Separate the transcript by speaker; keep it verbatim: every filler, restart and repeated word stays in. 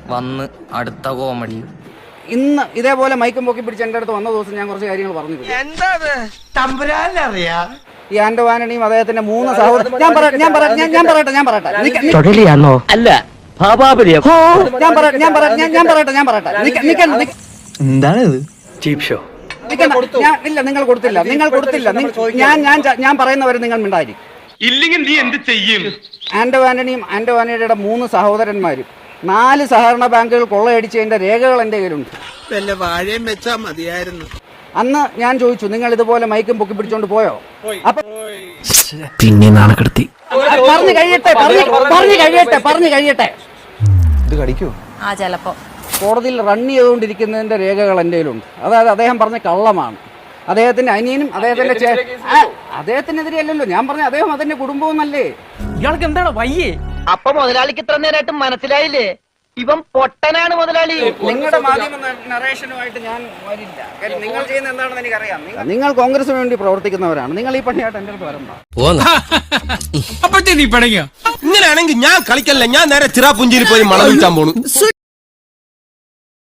Speaker 1: വന്ന് അടുത്ത കോമഡി.
Speaker 2: ഇന്ന് ഇതേപോലെ മൈക്കും പൊക്കി പിടിച്ച് എന്റെ അടുത്ത് വന്ന ദിവസം ഞാൻ കുറച്ച് കാര്യങ്ങൾ പറഞ്ഞു. ഈ ആന്റോ ആന്റണിയും അദ്ദേഹത്തിന്റെ മൂന്ന് സഹോദരൻ ഞാൻ പറയട്ടെ ഞാൻ പറയട്ടെ ഞാൻ പറയട്ടെ ഞാൻ പറയട്ടെ
Speaker 3: അല്ല
Speaker 2: ഞാൻ പറയട്ടെ ഞാൻ പറയട്ടെ ഞാൻ പറയട്ടെ ഞാൻ പറയട്ടെ
Speaker 3: എന്താണ് ചീപ് ഷോ?
Speaker 2: ഞാൻ ഇല്ല നിങ്ങൾ കൊടുത്തില്ല നിങ്ങൾ കൊടുത്തില്ല ഞാൻ ഞാൻ ഞാൻ പറയുന്നവരെ നിങ്ങൾ മിണ്ടായിരിക്കും.
Speaker 4: ഇല്ലെങ്കിൽ നീ എന്ത് ചെയ്യും?
Speaker 2: ആന്റോ ആന്റണിയും ആന്റോ ആന്റണിയുടെ മൂന്ന് സഹോദരന്മാരും നാല് സഹകരണ ബാങ്കുകൾ കൊള്ളയടിച്ചതിന്റെ രേഖകൾ എന്റെ കയ്യിലുണ്ട്.
Speaker 5: വാഴയും വെച്ചാ മതിയായിരുന്നു.
Speaker 2: അന്ന് ഞാൻ ചോദിച്ചു നിങ്ങൾ ഇതുപോലെ മൈക്കും പൊക്കി പിടിച്ചോണ്ട് പോയോ? അപ്പൊ
Speaker 3: പിന്നെ നാണക്കെടുത്തി
Speaker 2: പറഞ്ഞു കഴിയട്ടെ പറഞ്ഞു കഴിയട്ടെ പറഞ്ഞു കഴിയട്ടെ
Speaker 3: ഇത് കടിക്കോ?
Speaker 6: ആ ചിലപ്പോ
Speaker 2: കോടതിയിൽ റൺ ചെയ്തുകൊണ്ടിരിക്കുന്നതിന്റെ രേഖകൾ എൻ്റെ കയ്യിലുണ്ട്. അതായത് അദ്ദേഹം പറഞ്ഞ കള്ളമാണ്. അദ്ദേഹത്തിന്റെ അനിയനും അദ്ദേഹത്തിന്റെ അദ്ദേഹത്തിനെതിരെ അല്ലല്ലോ ഞാൻ പറഞ്ഞ അദ്ദേഹം അതിന്റെ കുടുംബവും അല്ലേ.
Speaker 1: ഇയാൾക്ക് എന്താണ് വയ്യേ?
Speaker 7: അപ്പൊ മുതലാളിക്ക് ഇത്ര നേരമായിട്ട് മനസ്സിലായില്ലേ ഇവൻ പൊട്ടനാണ് മുതലാളി?
Speaker 2: നിങ്ങളുടെ മാധ്യമ നറേഷനുമായിട്ട് ഞാൻ വരില്ല. കാര്യം നിങ്ങൾ ചെയ്യുന്ന എന്താണെന്ന് എനിക്കറിയാം. നിങ്ങൾ കോൺഗ്രസിന് വേണ്ടി പ്രവർത്തിക്കുന്നവരാണ്. നിങ്ങൾ ഈ പണിയായിട്ട് എന്റെ അടുത്ത് വരണ്ട.
Speaker 4: ഇങ്ങനെയാണെങ്കിൽ ഞാൻ കളിക്കല്ല, ഞാൻ നേരെ ചിറാപുഞ്ചിയിൽ പോയി മണം വിൽക്കാൻ പോണു.